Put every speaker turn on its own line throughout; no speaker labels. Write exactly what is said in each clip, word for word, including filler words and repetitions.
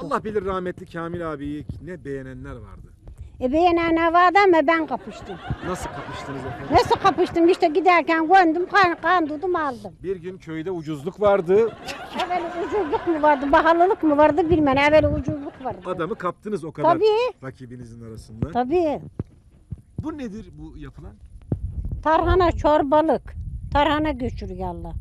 Allah bilir rahmetli Kamil abiyi ne beğenenler vardı.
E beğenen vardı ama ben kapıştım.
Nasıl kapıştınız efendim?
Nasıl kapıştım? İşte giderken göndüm, kan, kandırdım aldım.
Bir gün köyde ucuzluk vardı.
Evvel ucuzluk mu vardı, pahalılık mı vardı bilmem. Evvel ucuzluk vardı.
Adamı kaptınız o kadar
Tabii.
rakibinizin arasında.
Tabii.
Bu nedir bu yapılan?
Tarhana çorbalık. Tarhana göçürüyorlar.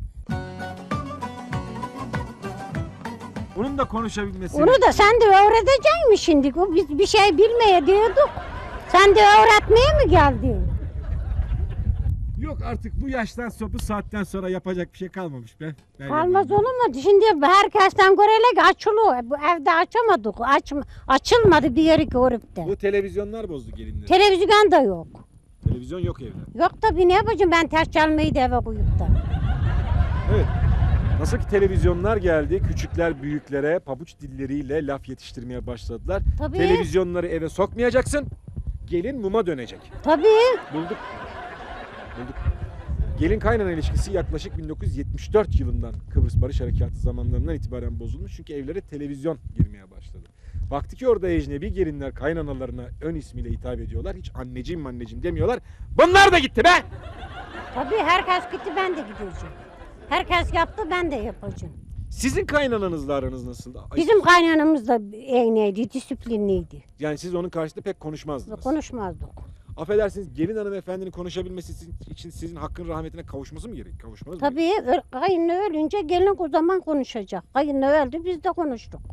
Onun da konuşabilmesi.
Onu da sen de öğreteceksin mi şimdi? O Biz bir şey bilmeye diyorduk. Sen de öğretmeye mi geldin?
Yok artık bu yaştan sonra bu saatten sonra yapacak bir şey kalmamış be. Ben
Kalmaz
yapayım.
olur mu? Şimdi herkesten görerek açılıyor. Bu evde açamadık. Aç, açılmadı bir yeri görüp de.
Bu televizyonlar bozdu gelinleri.
Televizyon da yok.
Televizyon yok evde.
Yok tabii ne yapacağım ben ters çalmayı da eve koyup da.
Evet. Nasıl ki televizyonlar geldi, küçükler büyüklere pabuç dilleriyle laf yetiştirmeye başladılar.
Tabii.
Televizyonları eve sokmayacaksın, gelin muma dönecek.
Tabii.
Bulduk. Bulduk. Gelin kaynana ilişkisi yaklaşık bin dokuz yüz yetmiş dört yılından Kıbrıs Barış Harekatı zamanlarından itibaren bozulmuş. Çünkü evlere televizyon girmeye başladı. Baktı ki orada ecnebi gelinler kaynanalarına ön ismiyle hitap ediyorlar. Hiç anneciğim anneciğim demiyorlar. Bunlar da gitti be!
Tabii herkes gitti ben de gideceğim. Herkes yaptı ben de yapacağım.
Sizin kaynananızla aranız nasıldı? Ay,
Bizim kaynanamız da eğneydi, disiplinliydi.
Yani siz onun karşısında pek konuşmazdınız.
Konuşmazdık.
Affedersiniz, gelin hanımefendinin konuşabilmesi için sizin hakkın rahmetine kavuşması mı gerek? Kavuşmanız mı
Tabii ö- kayınlı ölünce gelin o zaman konuşacak. Kayınlı öldü biz de konuştuk.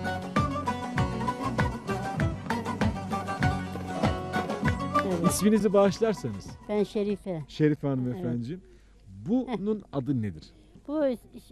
gerek? İsminizi bağışlarsanız.
Ben Şerife.
Şerife hanımefendiciğim. Bunun adı nedir?
Bu iş-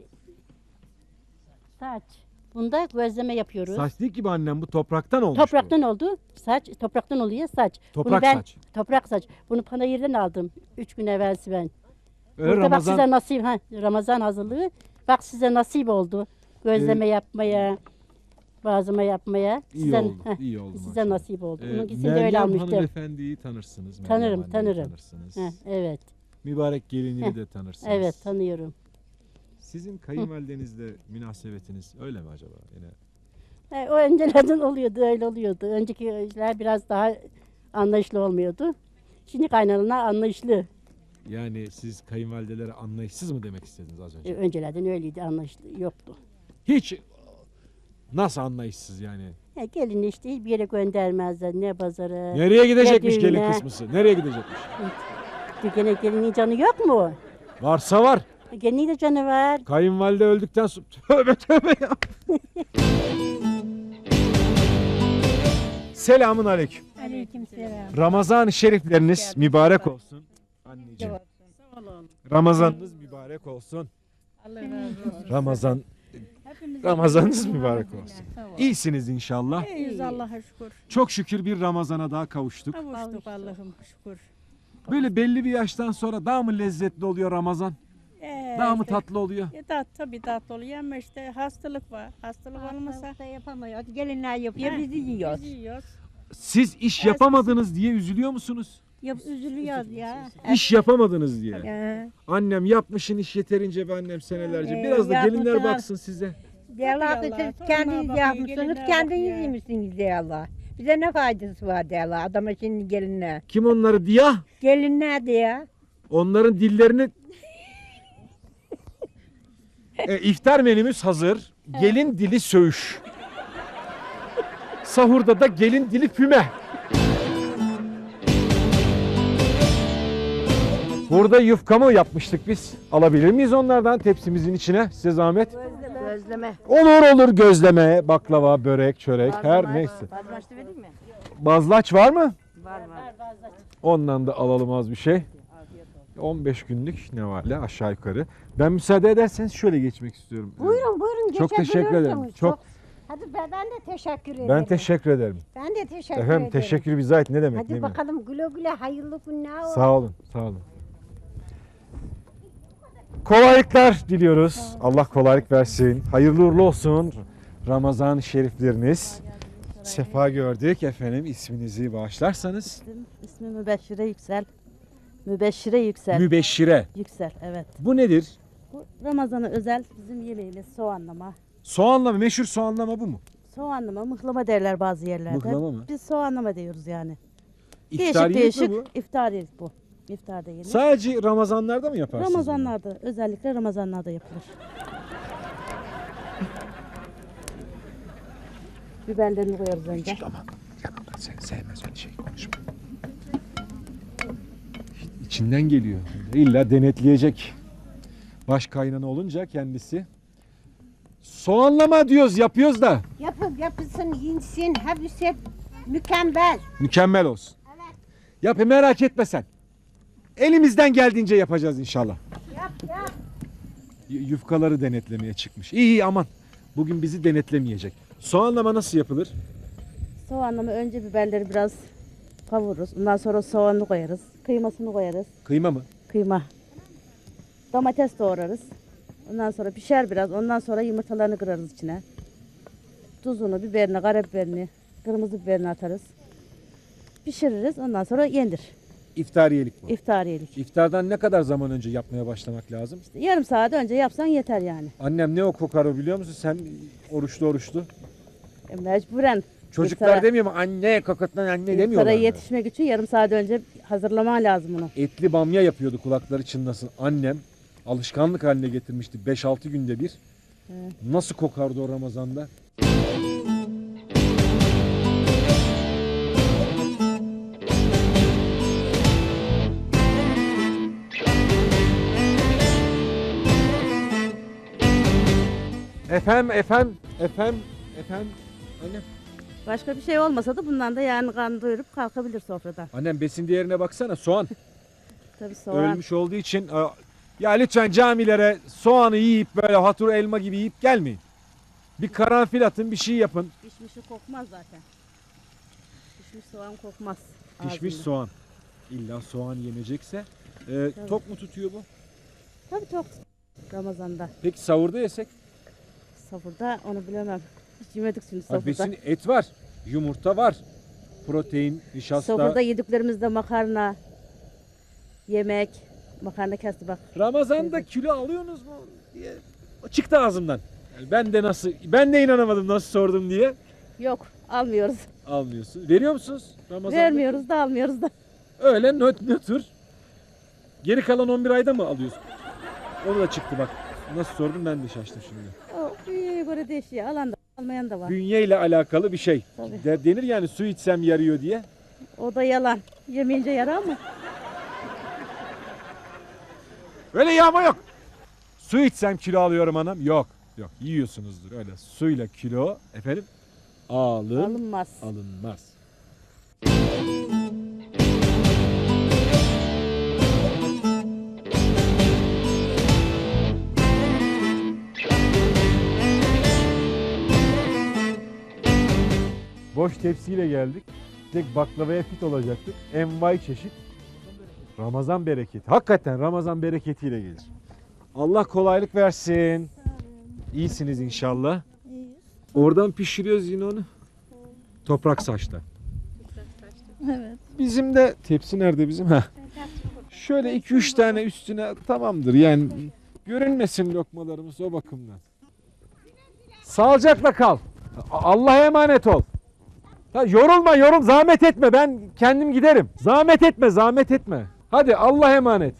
saç. Bunda gözleme yapıyoruz.
Saç değil ki bu annem, bu topraktan olmuş.
Topraktan oldu. Saç topraktan oluyor saç.
Toprak
Bunu ben,
saç.
Toprak saç. Bunu panayırdan aldım. Üç gün evvelsi ben.
Öyle
Burada
Ramazan,
bak size nasip. Ha, Ramazan hazırlığı. Bak size nasip oldu. Gözleme
Ee,
yapmaya. Bazıma yapmaya.
iyi
Size,
oldu.
heh,
iyi oldu.
size
maşallah.
nasip oldu.
Ee,
Onunkisini de öyle
Meryem
almıştım.
hanımefendiyi tanırsınız. Meryem
Tanırım,
anneyi
tanırım.
Tanırsınız.
Heh, evet.
Mübarek gelinini
Heh,
de tanırsınız.
Evet tanıyorum.
Sizin kayınvalidenizle münasebetiniz öyle mi acaba? Yine
E, o öncelerden oluyordu, öyle oluyordu. Öncekiler biraz daha anlayışlı olmuyordu. Şimdi kaynanalar anlayışlı.
yani siz kayınvalidelere anlayışsız mı demek istediniz az önce?
E, öncelerden öyleydi, anlayışlı yoktu.
Hiç nasıl anlayışsız yani?
E, gelin işte hiçbir yere göndermezler, ne pazara.
Nereye gidecekmiş
ne
gelin
düğüne.
kısmısı? Nereye gidecekmiş?
Gene gelinin canı yok mu?
Varsa var.
E, gelinin de canı var.
Kayınvalide öldükten sonra tövbe tövbe ya. Selamun aleyküm.
Aleykümselam.
Ramazan-ı şerifleriniz mübarek olsun. Anneciğim. Ramazanınız mübarek olsun.
Allah razı olsun.
Ramazan
Hepimiz
Ramazanınız mübarek olsun. İyisiniz inşallah.
İyiyiz Allah'a şükür.
Çok şükür bir Ramazan'a daha kavuştuk.
Kavuştuk Allah'ım şükür.
Böyle belli bir yaştan sonra daha mı lezzetli oluyor Ramazan?
Ee,
Daha mı
işte,
tatlı oluyor?
E, tat, tabii tatlı oluyor ama işte hastalık var. Hastalık olmasa
da yapamıyor. Gelinler yapıyor,
Heh,
bizi yiyoruz.
biz yiyoruz.
Siz iş yapamadınız diye üzülüyor musunuz?
Yap, üzülüyoruz ya.
İş yapamadınız diye.
Ee,
Annem yapmışın iş yeterince be annem senelerce.
Ee,
Biraz da gelinler
yapmışlar.
baksın size.
Diyorlar
Tabii
ki
Allah,
siz
torunlar
kendiniz
bakıyor,
yapmışsınız,
gelinler
kendiniz
bakıyor.
yemişsiniz diyorlar. Bize ne faydası var diyorlar adama şimdi gelinler.
Kim onları diye?
Gelinler diyor.
Onların dillerini... e, iftar menümüz hazır. Gelin dili söğüş. Sahurda da gelin dili füme. Burada yufka mı yapmıştık biz? Alabilir miyiz onlardan tepsimizin içine? Size zahmet.
Gözleme.
Olur olur gözleme, baklava, börek, çörek her neyse.
Bazlaştı vereyim mi?
Bazlaç var mı?
Var var.
Ondan da alalım az bir şey. on beş günlük ne var la aşağı yukarı. Ben müsaade ederseniz şöyle geçmek istiyorum.
Buyurun buyurun.
Çok teşekkür ederim.
geçebilirsiniz.
Çok.
Hadi ben, ben de teşekkür ederim.
Ben teşekkür ederim.
Ben de teşekkür
Efendim
ederim.
teşekkür bize ait ne demek?
Hadi
ne mi?
bakalım güle güle hayırlı günler olsun.
Sağ olun, sağ olun. Kolaylıklar diliyoruz. Allah kolaylık versin. Hayırlı uğurlu olsun. Ramazan şerifleriniz. Sefa gördük efendim. İsminizi bağışlarsanız.
İsmi Mübeşşire Yüksel. Mübeşşire Yüksel.
Mübeşşire.
Yüksel evet.
Bu nedir?
Bu Ramazan'a özel bizim yemeğimiz soğanlama.
Soğanlama, meşhur soğanlama bu mu?
Soğanlama, mıhlama derler bazı yerlerde.
Mıhlama mı?
Biz soğanlama diyoruz yani.
İftariyelik
değişik
mi
değişik
bu?
iftariyelik bu. İftarda yenir.
Sadece Ramazanlarda mı yaparsınız bunu?
Ramazanlarda, özellikle Ramazanlarda yapılır. Biberlerini koyarız önce.
Aman yanımda seni sevmez öyle şey konuşma. İçinden geliyor. İlla denetleyecek. Baş kaynana olunca kendisi. Soğanlama diyoruz, yapıyoruz da.
Yapıp yapılsın, yinsin, hepsi mükemmel.
Mükemmel olsun. Yap merak etme sen. Elimizden geldiğince yapacağız inşallah.
Yap yap.
Y- Yufkaları denetlemeye çıkmış. İyi iyi aman. Bugün bizi denetlemeyecek. Soğanlama nasıl yapılır?
Soğanlama önce biberleri biraz kavururuz. Ondan sonra soğanını koyarız. Kıymasını koyarız.
Kıyma mı?
Kıyma. Domates doğrarız. Ondan sonra pişer biraz. Ondan sonra yumurtalarını kırarız içine. Tuzunu, biberini, karabiberini, kırmızı biberini atarız. Pişiririz. Ondan sonra yenir.
İftariyelik bu.
İftariyelik.
İftardan ne kadar zaman önce yapmaya başlamak lazım?
İşte yarım saat önce yapsan yeter yani.
Annem ne o kokar o biliyor musun? Sen oruçlu oruçlu.
E, mecburen.
Çocuklar
İftara-
demiyor mu? Anne kokatlan anne
İftara
demiyorlar mı?
yetişmek için yarım saat önce hazırlaman lazım onu.
Etli bamya yapıyordu kulakları çınlasın. Annem alışkanlık haline getirmişti beş altı günde bir. Nasıl kokardı o Ramazan'da? Efendim, efendim, efendim, efendim. Annem,
Başka bir şey olmasa da bundan da yani karnı doyurup kalkabilir sofradan.
annem besin değerine baksana soğan.
Tabii soğan.
Ölmüş olduğu için e, ya lütfen camilere soğanı yiyip böyle hatur elma gibi yiyip gelmeyin. Bir karanfil atın, bir şey yapın.
Pişmişi kokmaz zaten. Pişmiş soğan kokmaz.
Pişmiş
ağzında.
soğan. İlla soğan yenecekse. E, tok mu tutuyor bu?
Tabii çok. Ramazan'da.
Peki sahurda yesek?
Sahurda onu bilemem. Hiç yemedik şimdi
Ha,
sahurda.
besin et var, yumurta var, protein, nişasta.
Sahurda yediklerimizde makarna, yemek, makarna kesti bak.
Ramazan'da kilo alıyorsunuz mu diye çıktı ağzımdan. Yani ben de nasıl, ben de inanamadım nasıl sordum diye.
Yok almıyoruz.
Almıyorsun. Veriyor musunuz Ramazan'da?
Vermiyoruz da almıyoruz da.
Öyle nöt nötr. Geri kalan on bir ayda mı alıyorsun? Onu da çıktı bak. Nasıl sordum ben de şaştım şimdi.
O büyüğe göre değişiyor. Alan da almayan da var.
Bünye ile alakalı bir şey.
Tabii.
De- denir yani su içsem yarıyor diye.
O da yalan. Yemeyince yarar mı?
Öyle yağma yok. Su içsem kilo alıyorum anam. Yok. Yok yiyorsunuzdur öyle. Suyla kilo efendim alın,
Alınmaz.
alınmaz. Boş tepsiyle geldik. Tek baklavaya fit olacaktık. Envai çeşit. Ramazan bereketi. Hakikaten Ramazan bereketiyle gelir. Allah kolaylık versin. İyisiniz inşallah. Oradan pişiriyoruz yine onu. Toprak saçta.
Evet.
Bizim de tepsi nerede bizim? Ha. Şöyle iki üç tane üstüne tamamdır. Yani görünmesin lokmalarımız o bakımdan. Sağlıcakla kal. A- Allah'a emanet ol. Ha, yorulma yorul zahmet etme ben kendim giderim. Zahmet etme zahmet etme. Hadi Allah'a emanet.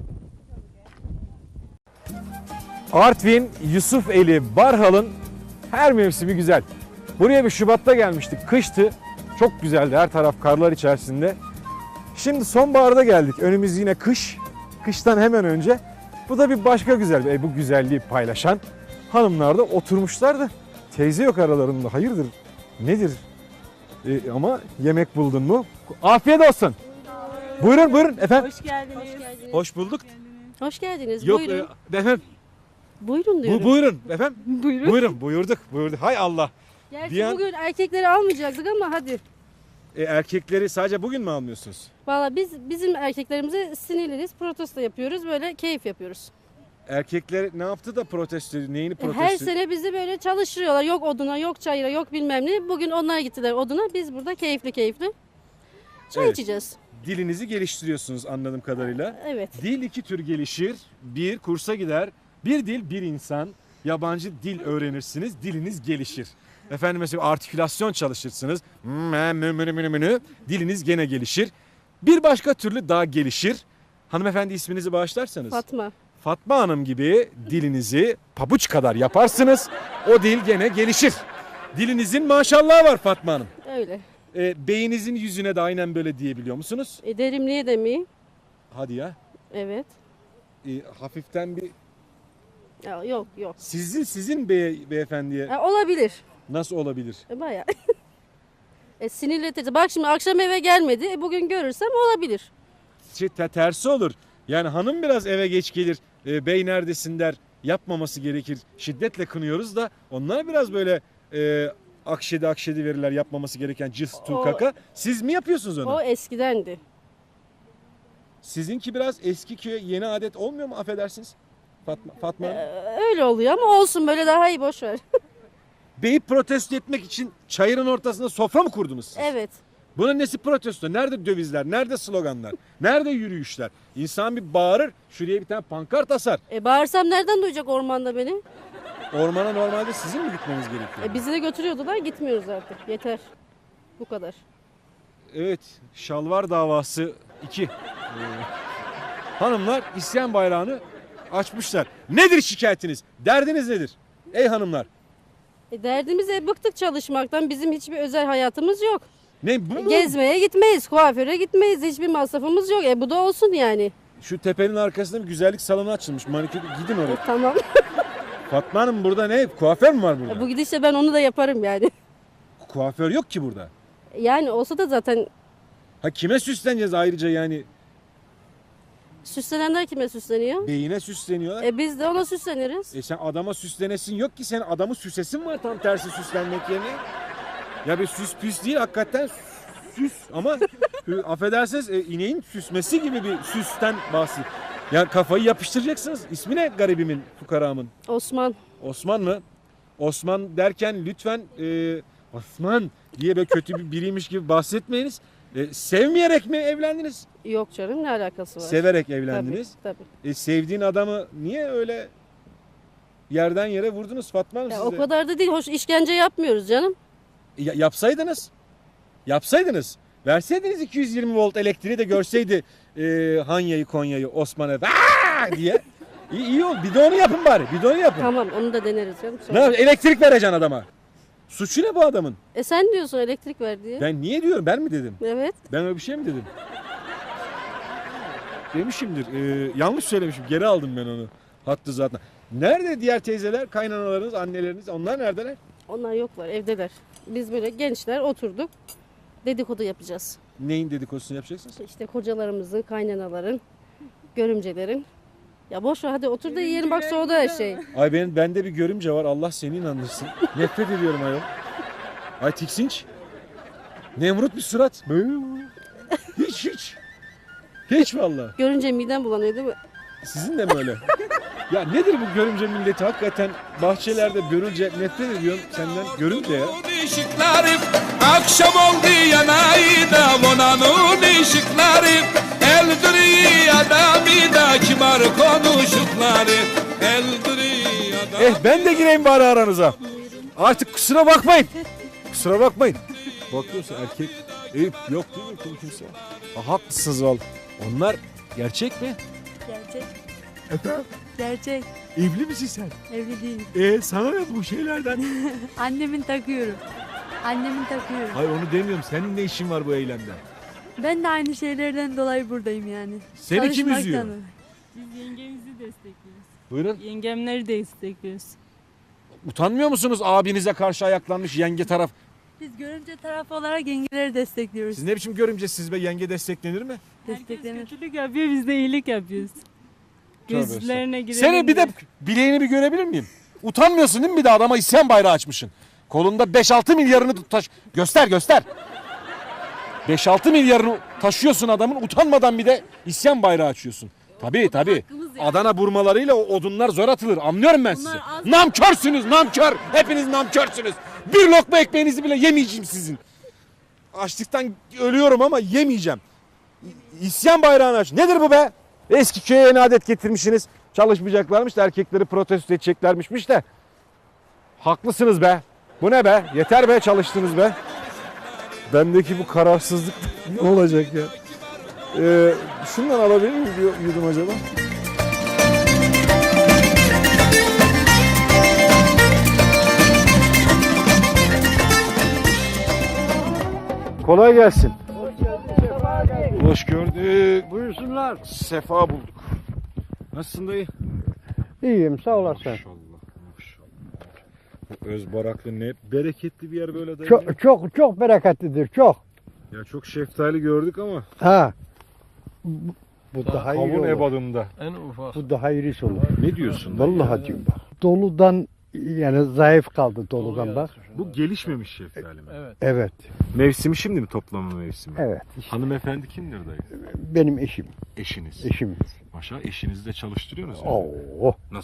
Artvin Yusufeli Barhal'ın her mevsimi güzel. Buraya bir Şubat'ta gelmiştik. Kıştı. Çok güzeldi. Her taraf karlar içerisinde. Şimdi sonbaharda geldik. Önümüz yine kış. Kıştan hemen önce. Bu da bir başka güzel. E, bu güzelliği paylaşan hanımlar da oturmuşlar da teyze yok aralarında. Hayırdır? Nedir? E, ama yemek buldun mu? Afiyet olsun. Buyurun buyurun efendim.
Hoş geldiniz. Hoş geldiniz.
Hoş bulduk.
Hoş geldiniz.
Yok
Buyurun.
e, efendim.
Buyurun
Bu,
diyorum.
buyurun efendim.
Buyurun.
Buyurun buyurduk buyurduk. Hay Allah.
Gerçi
Diyen-
bugün erkekleri almayacaktık ama hadi.
E, erkekleri sadece bugün mü almıyorsunuz?
Valla biz bizim erkeklerimize sinirleriz. Protesto yapıyoruz. Böyle keyif yapıyoruz.
Erkekler ne yaptı da protesto, neyini
E,
protesto?
Her sene bizi böyle çalıştırıyorlar. Yok oduna, yok çayıra, yok bilmem ne. Bugün onlar gittiler oduna. Biz burada keyifli keyifli çay
Evet.
içeceğiz.
Dilinizi geliştiriyorsunuz anladığım kadarıyla.
Evet.
Dil iki tür gelişir. Bir, kursa gider. Bir dil, bir insan. Yabancı dil öğrenirsiniz, diliniz gelişir. Efendim mesela artikülasyon çalışırsınız. Mı, mı, mı, mı, mı, mı. Diliniz gene gelişir. Bir başka türlü daha gelişir. Hanımefendi isminizi bağışlarsanız.
Fatma.
Fatma Hanım gibi dilinizi pabuç kadar yaparsınız. O dil gene gelişir. Dilinizin maşallahı var Fatma Hanım.
Öyle.
E, beyninizin yüzüne de aynen böyle diyebiliyor musunuz?
E, derimliğe de mi?
Hadi ya.
Evet.
E, hafiften bir
Ya, yok yok.
sizin sizin beye, beyefendiye
Ha, olabilir.
nasıl olabilir?
E, bayağı. e, sinirletici. Bak şimdi akşam eve gelmedi. E, bugün görürsem olabilir.
Şey, te- tersi olur. Yani hanım biraz eve geç gelir. E, bey neredesin der. Yapmaması gerekir. Şiddetle kınıyoruz da onlar biraz böyle e, akşedi akşedi verirler yapmaması gereken cıs tu
O-
kaka. Siz mi yapıyorsunuz onu?
O eskidendi.
Sizinki biraz eski köye yeni adet olmuyor mu affedersiniz? Fatma, Fatma Hanım.
E, öyle oluyor ama olsun böyle daha iyi boş ver.
Beyi protesto etmek için çayırın ortasında sofra mı kurdunuz siz?
Evet.
Bunun nesi protesto? Nerede dövizler? Nerede sloganlar? Nerede yürüyüşler? İnsan bir bağırır. Şuraya bir tane pankart asar.
E, bağırsam nereden duyacak ormanda beni?
Ormana normalde sizin mi gitmeniz gerekiyor?
E, bizi de götürüyordular gitmiyoruz artık. Yeter. Bu kadar.
Evet. Şalvar davası iki. Ee, hanımlar isyan bayrağını açmışlar. Nedir şikayetiniz? Derdiniz nedir? Ey hanımlar.
E, derdimiz e, bıktık çalışmaktan. Bizim hiçbir özel hayatımız yok.
Ne bu mu?
Gezmeye gitmeyiz, kuaföre gitmeyiz. Hiçbir masrafımız yok. E bu da olsun yani.
Şu tepenin arkasında bir güzellik salonu açılmış. Manikür gidin
E,
oraya.
tamam.
Fatma Hanım burada ne? Kuaför mü var burada?
E, bu gidişle ben onu da yaparım yani.
Kuaför yok ki burada.
Yani olsa da zaten
Ha kime süsleneceğiz ayrıca yani?
süslenenler kime süsleniyor?
Beyine süsleniyorlar.
E biz de ona süsleniriz.
E sen adama süslenesin yok ki, sen adamı süsesin var tam tersi süslenmek yerine. Ya bir süs püs değil hakikaten süs ama e, affedersiniz e, ineğin süsmesi gibi bir süsten bahsi. Yani kafayı yapıştıracaksınız. İsmi ne garibimin, fukaramın?
Osman.
Osman mı? Osman derken lütfen e, Osman diye böyle kötü bir biriymiş gibi bahsetmeyiniz. E, sevmeyerek mi evlendiniz?
Yok canım ne alakası var?
Severek evlendiniz.
Tabii tabii.
E, sevdiğin adamı niye öyle yerden yere vurdunuz Fatma Hanım
Ya,
siz
o
de?
kadar da değil. Hoş işkence yapmıyoruz canım.
Ya- yapsaydınız. Yapsaydınız. Verseydiniz iki yüz yirmi volt elektriği de görseydi e, Hanya'yı Konya'yı Osman'a "Aa!" diye. İyi, iyi ol. Bir de onu yapın bari. Bir de onu yapın.
Tamam onu da deneriz canım.
Ne
Sonra.
yap- Elektrik vereceksin adama. Suçu ne bu adamın?
E sen diyorsun elektrik ver diye.
Ben niye diyorum? Ben mi dedim?
Evet.
Ben öyle bir şey mi dedim? Demişimdir. Ee, yanlış söylemişim. Geri aldım ben onu. Hattı zaten. Nerede diğer teyzeler, kaynanalarınız, anneleriniz? Onlar neredeler?
Onlar yoklar evdeler. Biz böyle gençler oturduk. Dedikodu yapacağız.
Neyin dedikodusunu yapacaksınız?
İşte kocalarımızın, kaynanaların, görümcelerin. Ya boş ver hadi otur da yiyelim bak soğudu her şey.
Ay benim bende bir görümce var. Allah seni inandırsın. Nefret ediyorum ayol. Ay tiksinç. Nemrut bir surat. Hiç hiç. Hiç vallahi.
Görünce midem bulanıyor değil mi?
Sizin de mi öyle? Ya nedir bu görümce milleti? Hakikaten bahçelerde görünce nefret ediyorum senden. Görünce ya.
Işıkları akşam oldu yanayı da vonanın ışıkları eldiri adamı da kibar konuşukları eldiri adamı.
Eh ben de gireyim bari aranıza. Artık kusura bakmayın. Kusura bakmayın. Bakıyorsun erkek. Eyüp yok değil mi kim kimse? Ha, haklısınız valla. Onlar gerçek mi?
Gerçek.
Efendim?
Gerçek.
Evli misin sen?
Evli değil.
E sana ne bu şeylerden?
Annemin takıyorum. Annemin takıyorum.
Hayır onu demiyorum. Senin ne işin var bu eylemde?
Ben de aynı şeylerden dolayı buradayım yani.
Seni kim üzüyor?
Çalışmaktan.
Biz yengemizi destekliyoruz.
Buyurun.
Yengemleri destekliyoruz.
Utanmıyor musunuz abinize karşı ayaklanmış yenge taraf?
Biz görümce tarafı olarak yengeleri destekliyoruz.
Siz ne biçim görümcesiniz be, yenge desteklenir mi?
Desteklenir.
Herkes kötülük yapıyor, biz de iyilik yapıyoruz. Gözlerine girelim
Seni bir de
diye.
bileğini bir görebilir miyim? Utanmıyorsun değil mi bir de adama isyan bayrağı açmışsın? Kolunda beş altı milyarını taş... Göster göster. beş altı milyarını taşıyorsun adamın, utanmadan bir de isyan bayrağı açıyorsun. Tabii tabii. Adana burmalarıyla o odunlar zor atılır. Anlıyorum ben sizi. Namkörsünüz, namkör. Hepiniz namkörsünüz. Bir lokma ekmeğinizi bile yemeyeceğim sizin. Açlıktan ölüyorum ama yemeyeceğim. İsyan bayrağını aç. Nedir bu be? Eski köye yeni adet getirmişsiniz. Çalışmayacaklarmış da erkekleri protesto edeceklermişmiş de. Haklısınız be. Bu ne be? Yeter be, çalıştınız be. Bendeki bu kararsızlık ne olacak ya? Ee, şundan alabilir miyim bir yudum acaba? Kolay gelsin. Hoş gördük.
Buyursunlar.
Sefa bulduk. Nasılsın dayı?
İyiyim sağ olasın.
Maşallah, maşallah. Bu Özbaraklı ne bereketli bir yer böyle dayı.
Çok çok çok bereketlidir çok.
Ya çok şeftali gördük ama.
Ha. Bu, bu daha iyi
Kavun
olur.
ebadında.
En ufak.
Bu daha iyisi olur.
Ne diyorsun dayı?
Vallahi diyorum bak. Doludan yani zayıf kaldı doludan bak.
Bu gelişmemiş şeftali mi?
Evet.
Evet.
Mevsimi şimdi mi, toplama mevsimi?
Evet.
Hanımefendi kimdir dayı?
Benim eşim.
Eşiniz.
Eşim.
Maşallah, eşinizi de çalıştırıyorsunuz yani.
Oo.
Nasıl?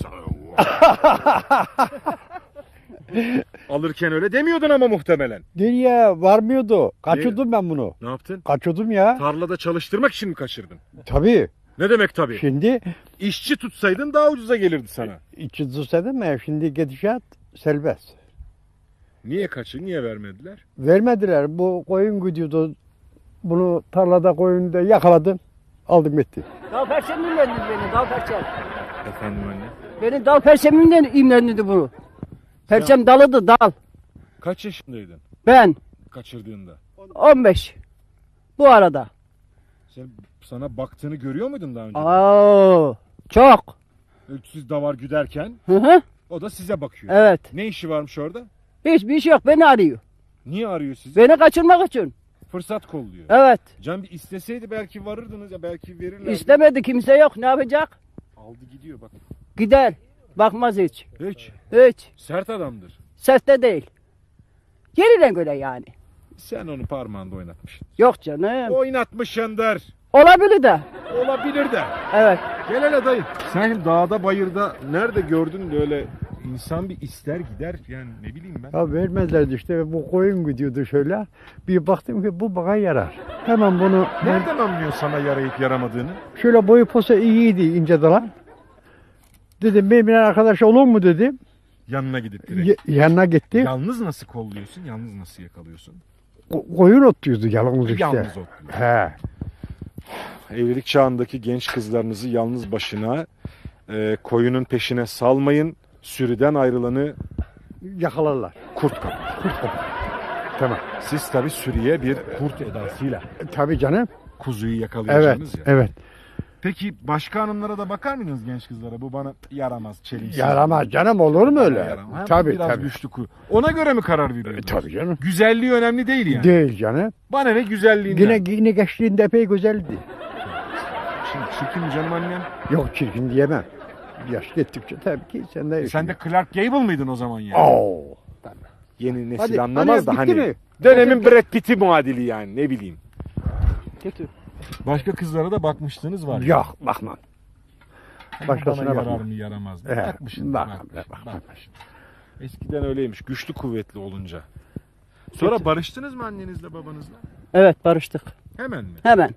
Alırken öyle demiyordun ama muhtemelen.
Nereye varmıyordu. Kaçırdım ben bunu.
Ne yaptın?
Kaçırdım ya.
Tarlada çalıştırmak için mi kaçırdın?
Tabii.
Ne demek tabii?
Şimdi
İşçi tutsaydın daha ucuza gelirdi sana.
içi tutsadım ya şimdi gidişat serbest.
Niye kaçın? Niye vermediler?
Vermediler. Bu koyun gidiyordu. Bunu tarlada koyunda yakaladım. Aldım gitti.
Dal perçemimle imlendi beni, dal perçem.
Efendim anne?
Benim dal perçemimle imlendi bunu. Perçem dalıdı, dal.
Kaç yaşındaydın
Ben
kaçırdığında?
on beş. Bu arada.
Sen sana baktığını görüyor muydun daha önce?
Aa, çok.
Siz davar güderken
Hı hı.
o da size bakıyor.
Evet.
Ne işi varmış orada?
Hiçbir şey yok, beni arıyor.
Niye arıyor sizi?
Beni kaçırmak için.
Fırsat kolluyor.
Evet.
Can bir isteseydi belki varırdınız ya, belki verirlerdi.
İstemedi, kimse yok. Ne yapacak?
Aldı gidiyor bak.
Gider. Bakmaz hiç.
Hiç.
Hiç.
Sert adamdır.
Seste değil. Yerine göre yani.
Sen onu parmağında oynatmışsın.
Yok canım.
Oynatmışsındır.
Olabilir de.
Olabilir de.
Evet.
Gel hele dayı. Sen şimdi dağda bayırda nerede gördün de öyle insan bir ister gider yani, ne bileyim ben.
Ya vermezlerdi işte, bu koyun gidiyordu şöyle. Bir baktım ki bu bana yarar. Hemen bunu
Nereden anlıyorsun sana yarayıp yaramadığını?
şöyle boyu posa iyiydi, ince dalan. Dedim benim bir arkadaş olur mu dedim.
Yanına gidip direkt.
Y- yanına gitti.
Yalnız nasıl kolluyorsun? Yalnız nasıl yakalıyorsun?
Ko- koyun otluyordu yalnız işte.
Yalnız otluyor.
He.
Evlilik çağındaki genç kızlarınızı yalnız başına e, koyunun peşine salmayın. Sürüden ayrılanı
Yakalarlar.
kurt kapar.
Kurt kopar. Tamam.
Siz tabi sürüye bir kurt edasıyla
E, tabii canım.
kuzuyu
Evet.
yakalayacaksınız ya.
Evet.
Peki başka hanımlara da bakar mıydınız, genç kızlara? Bu bana yaramaz, çelimsiz.
Yaramaz canım, olur mu öyle?
Yaramaz. Ha,
Tabii
biraz
tabii.
güçlü kuyu. Ona göre mi karar
E,
veriyorsunuz?
tabii canım.
Güzelliği önemli değil yani.
Değil canım.
Bana ne güzelliğinden.
Yine, yine gençliğinde epey güzeldi.
Şimdi çirkin canım annem.
Yok çirkin diyemem. Yaş gittikçe tabii ki sen de...
E sen de Clark Gable mıydın o zaman yani?
Oo.
Yeni nesil
Hadi,
anlamaz
hani
da
bitti
hani.
mi?
Dönemin Brad Pitt'i muadili yani, ne bileyim.
Kötü.
Başka kızlara da bakmıştınız var.
Yok bakmam.
Hani
başkasına
bana yarar
bakma.
mı yaramaz mı?
Evet,
Bakmışsın.
bakmam,
bakmışsın,
bakmam.
bakmışsın. Eskiden öyleymiş. Güçlü kuvvetli olunca. Sonra barıştınız mı annenizle babanızla?
Evet, barıştık.
Hemen mi?
Hemen.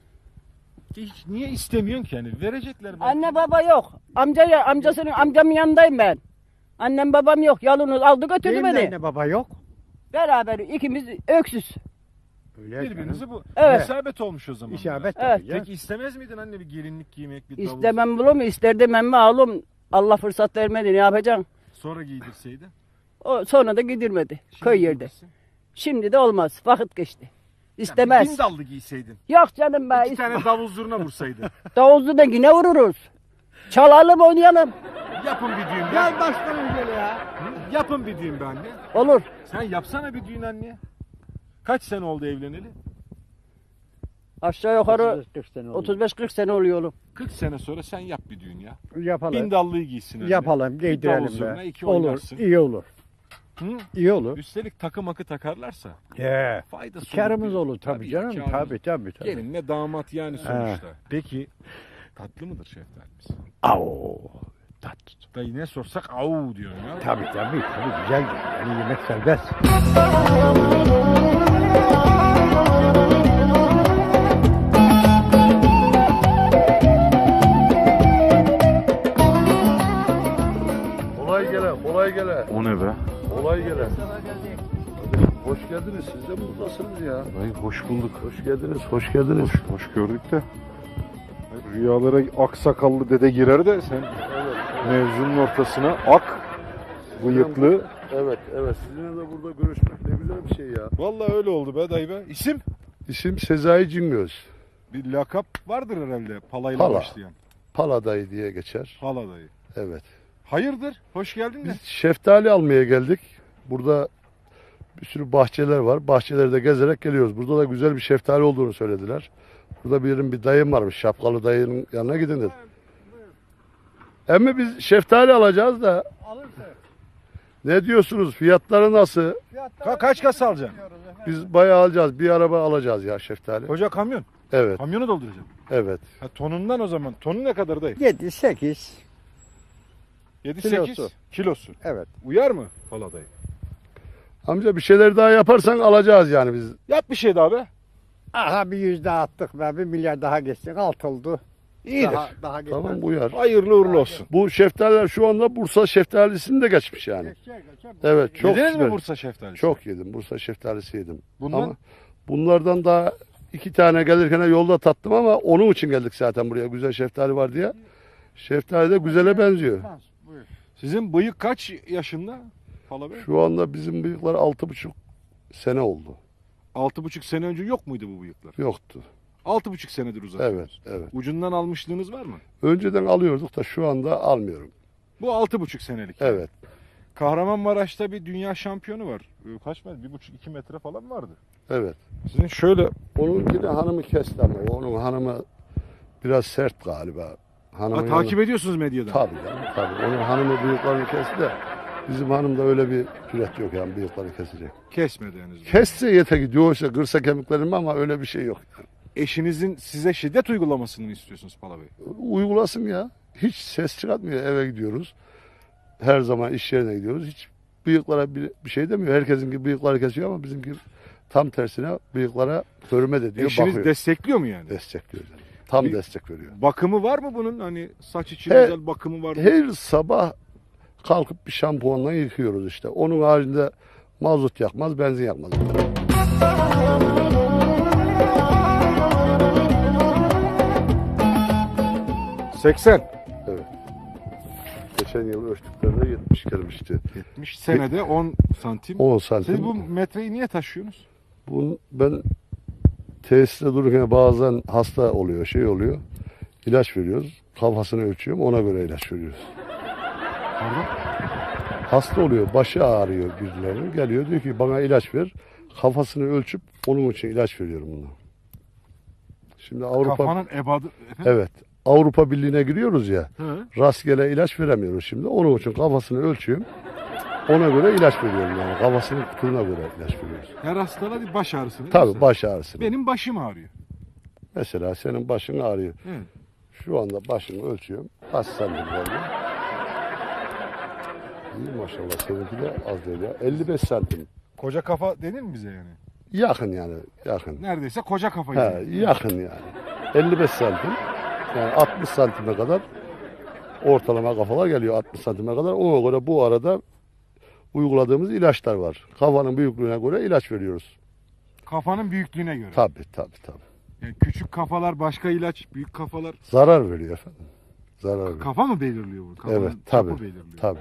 Hiç niye istemiyorsun ki hani? Verecekler belki.
Anne baba yok. Amca amcasının amcamın yanındayım ben. Annem babam yok. Yalnız aldı götürdü
Benim de
beni.
anne baba yok.
Beraber ikimiz öksüz.
Öyle
Birbirinizi bu.
Evet.
İsabet olmuş o zaman.
İsabet
Evet.
tabii ya.
Peki istemez miydin anne bir gelinlik giymek, bir davul?
İstemem bunu mu? İsterdim ama oğlum Allah fırsat vermedi. Ne yapacaksın?
Sonra giydirseydin.
O sonra da gidirmedi.
Şimdi
Köy yerde.
giydirsin.
Şimdi de olmaz. Vakit geçti.
Ya
İstemez.
bir bin dallı giyseydin.
Yok canım be.
İki tane davul zurna vursaydın.
Davuzlu da yine vururuz. Çalalım oynayalım.
Yapın bir düğün.
Gel başkanım gel ya.
Hı? Yapın bir düğün be anne.
Olur.
Sen yapsana bir düğün anne. Kaç sene oldu evleneli?
Aşağı yukarı
otuz beş kırk sene oldu.
otuz beş kırk sene oluyor oğlum.
kırk sene sonra sen yap bir düğün ya.
Yapalım.
Bin dallıyı giysin anne.
Yapalım,
Bir davul
giydirelim
zurna,
be.
iki
Olur,
oynarsın.
iyi olur.
Hı?
İyi olur.
Üstelik takı makı takarlarsa
He.
faydası
Karımız
diyor.
olur tabii, canım.
karımız.
Tabii tabii tabii.
Gelinle damat yani sonuçta. Peki tatlı mıdır şeftalimiz?
Au. Tat.
Dayı ne sorsak au diyor ya.
Tabii tabii tabii güzel. Yani yemek serbest.
Kolay gele, kolay gele,
O ne be?
kolay gele. geldiniz. Siz de buradasınız ya.
Dayı hoş bulduk.
Hoş geldiniz, hoş geldiniz.
Hoş, hoş gördük de. Rüyalara aksakallı dede girer de sen mevzunun ortasına ak, bıyıklı.
Evet, evet. Sizinle de burada görüşmek ne güzel bir şey ya.
Vallahi öyle oldu be dayı be. İsim?
İsim Sezai Cingöz.
Bir lakap vardır herhalde palayla
Pala.
başlayan.
Pala dayı diye geçer.
Pala dayı.
Evet.
Hayırdır? Hoş geldin de.
Biz şeftali almaya geldik. Burada bir sürü bahçeler var. Bahçelerde gezerek geliyoruz. Burada da güzel bir şeftali olduğunu söylediler. Burada benim bir dayım varmış. Şapkalı dayının yanına gidin dedi. Emmi biz şeftali alacağız da. Ne diyorsunuz? Fiyatları nasıl?
Ka- kaç kasa alacaksın?
Biz bayağı alacağız. Bir araba alacağız ya şeftali.
Koca kamyon.
Evet.
Kamyonu dolduracaksın.
Evet.
Ha, tonundan o zaman. Tonu ne kadar dayı?
yedi sekiz.
yedi
Kilosu.
sekiz kilosu.
Evet.
Uyar mı pala dayı?
Amca bir şeyler daha yaparsan alacağız yani biz.
Yap bir şey daha be.
Aha bir yüz daha attık be. Bir milyar daha geçtik. Alt oldu.
İyidir.
Daha, daha geçmez.
Tamam uyar.
Hayırlı uğurlu olsun.
Bu şeftaliler şu anda Bursa şeftalisini de geçmiş yani.
Geçecek, geçecek.
Evet çok
Yediniz
güzel.
mi Bursa şeftalisi?
Çok yedim. Bursa şeftalisi yedim.
Bundan?
Ama bunlardan daha iki tane gelirken yolda tattım ama onun için geldik zaten buraya. Güzel şeftali var diye. Şeftali de güzele benziyor.
Buyur.
Sizin bıyık kaç yaşında? Pala Bey?
Şu anda bizim bıyıklar altı buçuk sene oldu.
Altı buçuk sene önce yok muydu bu bıyıklar?
Yoktu.
Altı buçuk senedir uzatıyoruz.
Evet, evet.
Ucundan almışlığınız var mı?
Önceden alıyorduk da şu anda almıyorum.
Bu altı buçuk senelik.
Evet.
Kahramanmaraş'ta bir dünya şampiyonu var. Ee, Kaç metre? Bir buçuk iki metre falan vardı.
Evet.
Sizin şöyle
Onun yine hanımı kesti ama onun hanımı biraz sert galiba. Hanımın
ha, takip ediyorsunuz medyadan.
Tabii canım, tabii. Onun hanımı bıyıklarını kesti de bizim hanımda öyle bir cüret yok yani bıyıkları kesecek.
Kesmedi henüz.
Kesse yete gidiyor işte kırsa kemiklerimi ama öyle bir şey yok.
Eşinizin size şiddet uygulamasını mı istiyorsunuz Pala Bey?
Uygulasın ya. Hiç ses çıkartmıyor. Eve gidiyoruz. Her zaman iş yerine gidiyoruz. Hiç bıyıklara bir, bir şey demiyor. Herkesinki bıyıkları kesiyor ama bizimki tam tersine bıyıklara hürmet ediyor.
Eşiniz
bakıyor.
destekliyor mu yani?
Destekliyor canım. Tam
Bir-
destek veriyor.
Bakımı var mı bunun? Hani saç için
He-
özel bakımı var mı?
Her sabah kalkıp bir şampuanla yıkıyoruz işte. Onun haricinde mazot yakmaz, benzin yakmaz.
seksen.
Evet. Geçen yıl ölçtüklerinde yetmiş gelmişti.
yetmiş senede on santim.
on santim.
Siz bu metreyi niye taşıyorsunuz?
Bunu ben tesiste dururken bazen hasta oluyor, şey oluyor. İlaç veriyoruz. Kafasını ölçüyorum, ona göre ilaç veriyoruz.
Pardon?
Hasta oluyor, başı ağrıyor birilerinin. Geliyor diyor ki bana ilaç ver. Kafasını ölçüp onun için ilaç veriyorum buna. Şimdi Avrupa
Kafanın ebadı... Efendim?
Evet. Avrupa Birliği'ne giriyoruz ya.
Hı.
Rastgele ilaç veremiyoruz şimdi. Onun için kafasını ölçüyorum. Ona göre ilaç veriyorum yani. Kafasının kutuğuna göre ilaç veriyoruz.
Her hastalığa bir baş ağrısı. değil mi
Tabii
sen?
baş ağrısı.
Benim başım ağrıyor.
Mesela senin başın ağrıyor.
Evet.
Şu anda başını ölçüyorum. Kaç santim var mı? İyi maşallah seninki de az değil ya. elli beş santim.
Koca kafa denir mi bize yani?
Yakın yani. Yakın.
Neredeyse koca kafa
He,
gibi.
yakın yani. elli beş santim. Yani altmış santime kadar ortalama kafalar geliyor altmış santime kadar. Ona göre bu arada uyguladığımız ilaçlar var. Kafanın büyüklüğüne göre ilaç veriyoruz.
Kafanın büyüklüğüne göre.
Tabii tabii tabii.
Yani küçük kafalar başka ilaç, büyük kafalar...
Zarar veriyor efendim. Zarar veriyor.
Kafa mı belirliyor bu? Kafanın
Evet
çapı
tabii.
belirliyor.
Tabii.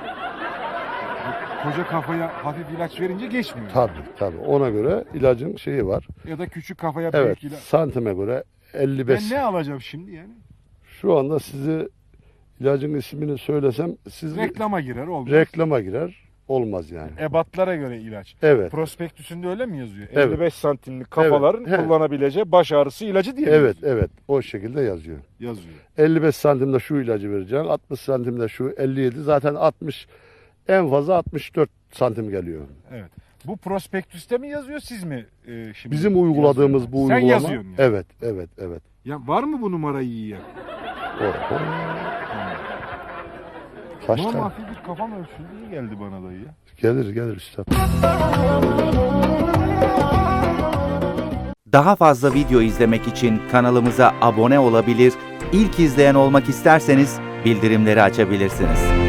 Koca kafaya hafif ilaç verince geçmiyor.
Tabii tabii. Ona göre ilacın şeyi var.
Ya da küçük kafaya
Evet.
büyük ilaç.
Santime göre elli beş.
Ben ne alacağım şimdi yani?
Şu anda sizi ilacın ismini söylesem siz
Reklama girer olmaz.
reklama girer. Olmaz yani.
Ebatlara göre ilaç.
Evet.
Prospektüsünde öyle mi yazıyor?
Evet.
elli beş santimlik kafaların
Evet, he.
kullanabileceği baş ağrısı ilacı diye mi
Evet
yazıyor?
evet. O şekilde yazıyor.
Yazıyor.
elli beş santimde şu ilacı vereceksin. altmış santimde şu elli yedi. Zaten altmış en fazla altmış dört santim geliyor.
Evet. Bu prospektüste mi yazıyor siz mi e, şimdi?
Bizim uyguladığımız
yazıyorsunuz?
bu
Sen
uygulama.
yazıyorsun yani.
Evet evet evet.
Ya var mı bu numarayı yiyen?
O, o. Kaç
Ama
tane?
hafif bir kafam ölçüldü iyi geldi bana dayı ya.
Gelir gelir üstad.
Daha fazla video izlemek için kanalımıza abone olabilir, ilk izleyen olmak isterseniz bildirimleri açabilirsiniz.